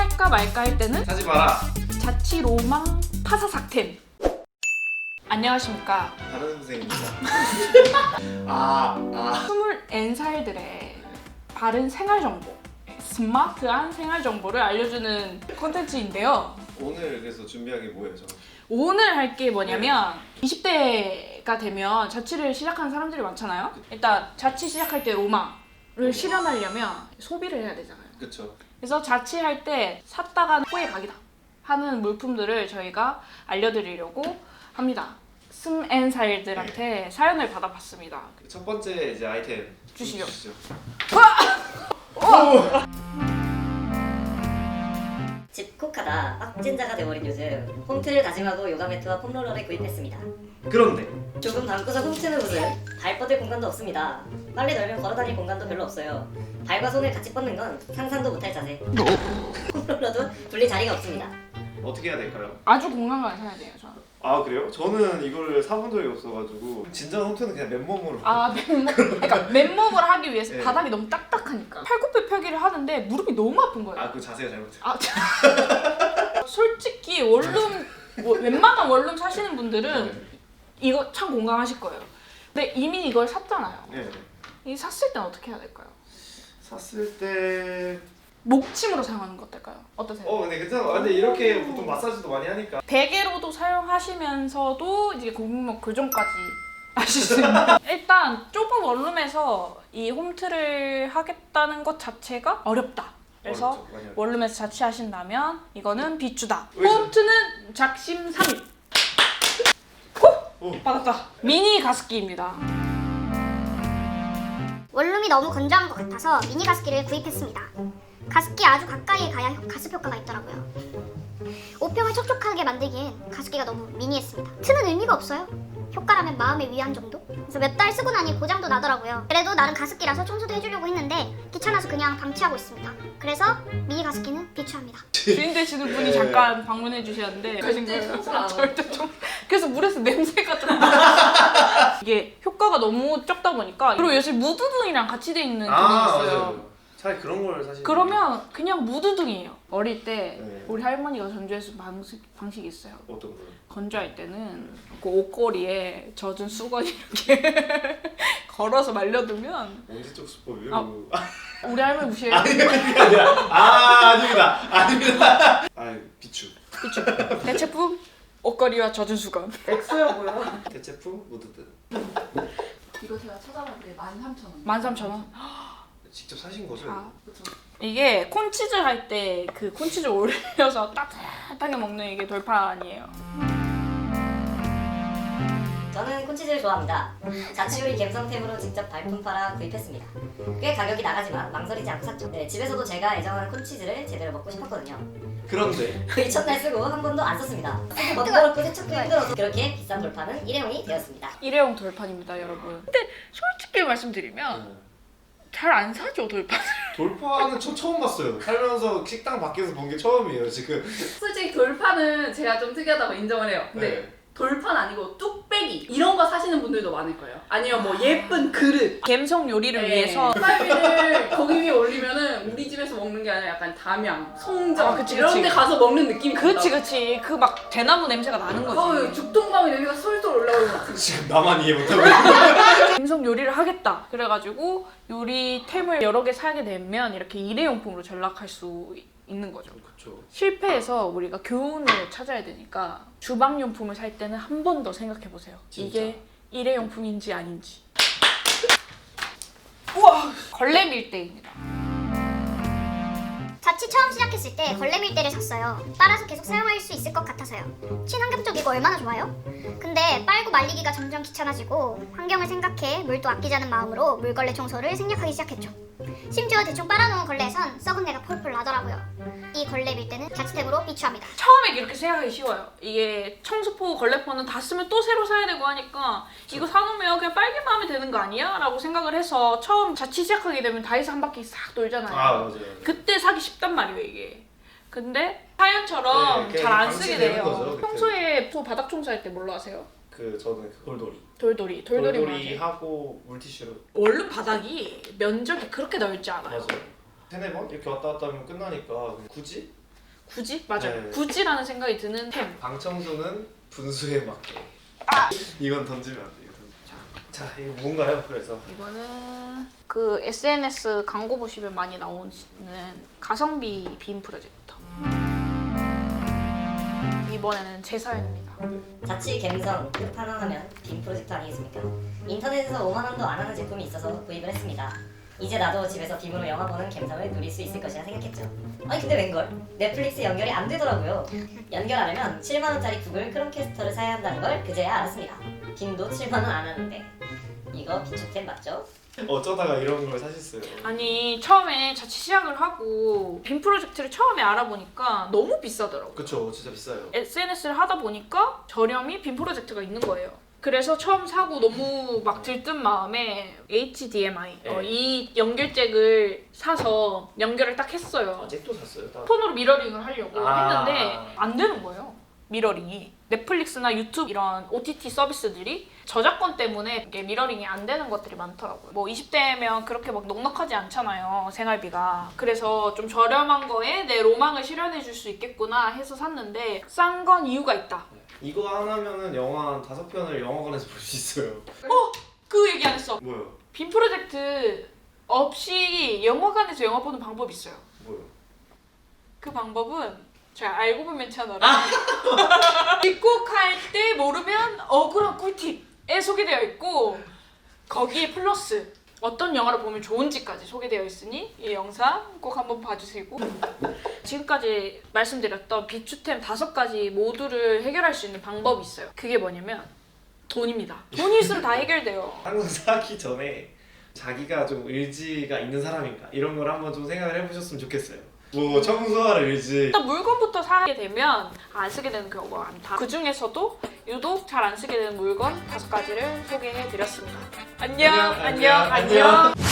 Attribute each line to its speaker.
Speaker 1: 할까 말까 할 때는
Speaker 2: 사지 마라.
Speaker 1: 자취 로망 파사삭템. 안녕하십니까.
Speaker 2: 다른 선생입니다.
Speaker 1: 20살들의 바른 생활 정보, 스마트한 생활 정보를 알려주는 콘텐츠인데요.
Speaker 2: 오늘 그래서 준비한 게 뭐예요, 저?
Speaker 1: 오늘 할 게 뭐냐면 20대가 되면 자취를 시작하는 사람들이 많잖아요. 일단 자취 시작할 때 로망을 실현하려면 소비를 해야 되잖아요.
Speaker 2: 그쵸.
Speaker 1: 그래서 자취할 때 샀다가 후회 각이다 하는 물품들을 저희가 알려드리려고 합니다. 스М앤살들한테 사연을 받아봤습니다.
Speaker 2: 첫 번째 이제 아이템
Speaker 1: 주시죠.
Speaker 3: 집콕하다 빡진자가 돼버린 요즘 홈트를 다짐하고 요가 매트와 폼롤러를 구입했습니다.
Speaker 2: 그런데
Speaker 3: 조금 방구석 홈트는 무슨 발 뻗을 공간도 없습니다. 빨리 널면 걸어다닐 공간도 별로 없어요. 발과 손을 같이 뻗는 건 상상도 못할 자세. 폼롤러도 둘릴 자리가 없습니다.
Speaker 2: 어떻게 해야 될까요?
Speaker 1: 아주 공감을 사야 돼요, 저는.
Speaker 2: 아 그래요? 저는 이거를 사본 적이 없어가지고 진정 홈트는 그냥 맨몸으로.
Speaker 1: 그러니까 맨몸을 하기 위해서
Speaker 2: 네.
Speaker 1: 바닥이 너무 딱딱하니까 팔굽혀 펴기를 하는데 무릎이 너무 아픈 거예요.
Speaker 2: 그 자세가 잘못해요.
Speaker 1: 솔직히 원룸 웬만한 원룸 사시는 분들은 이거 참 공감하실 거예요. 근데 이미 이걸 샀잖아요.
Speaker 2: 네.
Speaker 1: 이 샀을 땐 어떻게 해야 될까요?
Speaker 2: 샀을 때
Speaker 1: 목침으로 사용하는 거 어떨까요? 어떠세요?
Speaker 2: 근데 괜찮아. 근데 이렇게 보통 마사지도 많이 하니까.
Speaker 1: 베개로도 사용하시면서도 이제 고객목 교정까지 하실 수 있는. 일단 좁은 원룸에서 이 홈트를 하겠다는 것 자체가 어렵다. 그래서
Speaker 2: 어렵죠, 많이 어렵죠.
Speaker 1: 원룸에서 자취하신다면 이거는 비추다.
Speaker 2: 왜 저-
Speaker 1: 홈트는 작심삼일. 받았다. 미니 가습기입니다.
Speaker 4: 원룸이 너무 건조한 것 같아서 미니 가습기를 구입했습니다. 가습기 아주 가까이에 가야 가습 효과가 있더라고요. 옷병을 촉촉하게 만들기엔 가습기가 너무 미니했습니다. 트는 의미가 없어요. 효과라면 마음의 위안 정도? 그래서 몇 달 쓰고 나니 고장도 나더라고요. 그래도 나름 가습기라서 청소도 해주려고 했는데 귀찮아서 그냥 방치하고 있습니다. 그래서 미니 가습기는 비추합니다.
Speaker 1: 주인 되시는 분이
Speaker 2: 네.
Speaker 1: 잠깐 방문해 주셨는데
Speaker 5: 절대 청소를 안
Speaker 1: 절대 좀 그래서 물에서 냄새가 좀 이게 효과가 너무 적다 보니까 그리고 요새 무드등이랑 같이 돼 있는 등이 있어요.
Speaker 2: 맞아요. 차라리 그런 걸 사실.
Speaker 1: 그러면 그냥 무드등이에요. 어릴 때
Speaker 2: 네.
Speaker 1: 우리 할머니가 전주해준 방식이 있어요.
Speaker 2: 어떤 거요?
Speaker 1: 건조할 때는 그 옷걸이에 젖은 수건 이렇게 걸어서 말려두면
Speaker 2: 언제 쪽 수법이요?
Speaker 1: 우리 할머니 무시해요.
Speaker 2: 아닙니다. 비추.
Speaker 1: 그쵸? 대체품 옷걸이와 젖은 수건. 엑소야 뭐야?
Speaker 2: 대체품 모드든.
Speaker 5: 이거 제가 찾아봤는데 13,000원.
Speaker 1: 13,000원.
Speaker 2: 직접 사신 거죠?
Speaker 5: 그쵸.
Speaker 1: 이게 콘치즈 할 때 그 콘치즈 올려서 따뜻하게 먹는 이게 돌판이에요.
Speaker 3: 저는 콘치즈를 좋아합니다. 자취요리 갬성템으로 직접 발품 팔아 구입했습니다. 꽤 가격이 나가지만 망설이지 않고 샀죠. 네, 집에서도 제가 애정하는 콘치즈를 제대로 먹고 싶었거든요.
Speaker 2: 그런데
Speaker 3: 거의 첫날 쓰고 한 번도 안 썼습니다. 쓰기 번거롭고 세척도 힘들어서 그렇게 비싼 돌판은 일회용이 되었습니다.
Speaker 1: 일회용 돌판입니다, 여러분. 근데 솔직히 말씀드리면 잘 안 사죠, 돌판을.
Speaker 2: 돌파는 저 처음 봤어요. 살면서 식당 밖에서 본 게 처음이에요 지금.
Speaker 5: 솔직히 돌판은 제가 좀 특이하다고 인정을 해요. 근데
Speaker 2: 네.
Speaker 5: 돌판 아니고 뚝배기 이런 거 사시는 분들도 많을 거예요. 아니면 뭐 예쁜 그릇.
Speaker 1: 갬성 요리를
Speaker 5: 네.
Speaker 1: 위해서
Speaker 5: 쌀비를 거기 위에 올리면은 우리 집에서 먹는 게 아니라 약간 담양, 송정
Speaker 1: 아, 그치,
Speaker 5: 이런
Speaker 1: 그치.
Speaker 5: 데 가서 먹는 느낌이
Speaker 1: 그치 그 막 대나무 냄새가 나는 거지.
Speaker 5: 죽통감이 여기가 솔솔 올라오는 것 같은.
Speaker 2: 지금 나만 이해 못하고 있어.
Speaker 1: 갬성 요리를 하겠다. 그래가지고 요리템을 여러 개 사게 되면 이렇게 일회용품으로 전락할 수 있는 거죠.
Speaker 2: 그렇죠.
Speaker 1: 실패해서 우리가 교훈을 찾아야 되니까 주방용품을 살 때는 한 번 더 생각해 보세요.
Speaker 2: 진짜?
Speaker 1: 이게 일회용품인지 아닌지. 우와! 걸레 밀대입니다.
Speaker 4: 자취 처음 시작했을 때 걸레 밀대를 샀어요. 빨아서 계속 사용할 수 있을 것 같아서요. 친환경적이고 얼마나 좋아요? 근데 빨고 말리기가 점점 귀찮아지고 환경을 생각해 물도 아끼자는 마음으로 물걸레 청소를 생략하기 시작했죠. 심지어 대충 빨아놓은 걸레에선 썩은 내가 폴폴 나더라고요. 이 걸레 밀대는 자취템으로 비추합니다.
Speaker 1: 처음에 이렇게 생각하기 쉬워요. 이게 청소포, 걸레포는 다 쓰면 또 새로 사야 되고 하니까 이거 사놓으면 그냥 빨기만 하면 되는 거 아니야? 라고 생각을 해서 처음 자취 시작하게 되면 다이소 한 바퀴 싹 돌잖아요.
Speaker 2: 맞아요.
Speaker 1: 그때 사기 쉽단 말이에요, 이게. 근데 사연처럼
Speaker 2: 네,
Speaker 1: 잘 안
Speaker 2: 방치
Speaker 1: 쓰게
Speaker 2: 되는
Speaker 1: 돼요.
Speaker 2: 거죠, 그때.
Speaker 1: 평소에 바닥 청소할 때 뭘로 하세요?
Speaker 2: 저는 돌돌이.
Speaker 1: 돌돌이 뭐하세요?
Speaker 2: 하고 물티슈로.
Speaker 1: 원룸 바닥이 면적이 그렇게 넓지 않아요.
Speaker 2: 맞아요. 세네 번 이렇게 왔다 갔다 하면 끝나니까 굳이
Speaker 1: 굳이? 맞아요.
Speaker 2: 네.
Speaker 1: 굳이라는 생각이 드는 템.
Speaker 2: 방청소는 분수에 맞게. 이건 던지면 안 돼요. 자, 이거 뭔가요? 그래서
Speaker 1: 이거는 그 SNS 광고 보시면 많이 나오는 가성비 빔 프로젝터. 이번에는 제 사연입니다.
Speaker 3: 자취 갬성 끝판왕하면 빔 프로젝트 아니겠습니까? 인터넷에서 5만 원도 안 하는 제품이 있어서 구입을 했습니다. 이제 나도 집에서 빔으로 영화 보는 갬성을 누릴 수 있을 것이라 생각했죠. 아니 근데 웬걸? 넷플릭스 연결이 안 되더라고요. 연결하려면 7만 원짜리 구글 크롬캐스터를 사야 한다는 걸 그제야 알았습니다. 빔도 7만 원 안 하는데 이거 비축템 맞죠?
Speaker 2: 어쩌다가 이런 걸 사셨어요?
Speaker 1: 아니 처음에 자취 시작을 하고 빔 프로젝트를 처음에 알아보니까 너무 비싸더라고요.
Speaker 2: 그쵸, 진짜 비싸요.
Speaker 1: SNS를 하다 보니까 저렴이 빔 프로젝트가 있는 거예요. 그래서 처음 사고 너무 막 들뜬 마음에 HDMI
Speaker 2: 네.
Speaker 1: 이 연결잭을 사서 연결을 딱 했어요.
Speaker 2: 잭도 샀어요?
Speaker 1: 폰으로 미러링을 하려고
Speaker 2: 아.
Speaker 1: 했는데 안 되는 거예요. 미러링이. 넷플릭스나 유튜브 이런 OTT 서비스들이 저작권 때문에 이게 미러링이 안 되는 것들이 많더라고요. 뭐 20대면 그렇게 막 넉넉하지 않잖아요, 생활비가. 그래서 좀 저렴한 거에 내 로망을 실현해 줄 수 있겠구나 해서 샀는데 싼 건 이유가 있다.
Speaker 2: 이거 하나면은 영화 5편을 영화관에서 볼 수 있어요.
Speaker 1: 그 얘기 안 했어.
Speaker 2: 뭐요?
Speaker 1: 빔 프로젝트 없이 영화관에서 영화 보는 방법이 있어요.
Speaker 2: 뭐요?
Speaker 1: 그 방법은 제가 알고 보면 채널에 입국할 때 모르면 억울한 꿀팁에 소개되어 있고 거기에 플러스 어떤 영화를 보면 좋은지까지 소개되어 있으니 이 영상 꼭 한번 봐주시고 지금까지 말씀드렸던 비추템 5가지 모두를 해결할 수 있는 방법이 있어요. 그게 뭐냐면 돈입니다. 돈이 있으면 다 해결돼요.
Speaker 2: 항상 사기 전에 자기가 좀 의지가 있는 사람인가 이런 걸 한번 좀 생각을 해보셨으면 좋겠어요. 뭐 청소할 의지.
Speaker 1: 일단 물건부터 사게 되면 안 쓰게 되는 경우가 많다. 그 중에서도 유독 잘 안 쓰게 되는 물건 5가지를 소개해드렸습니다. 안녕.
Speaker 2: 안녕.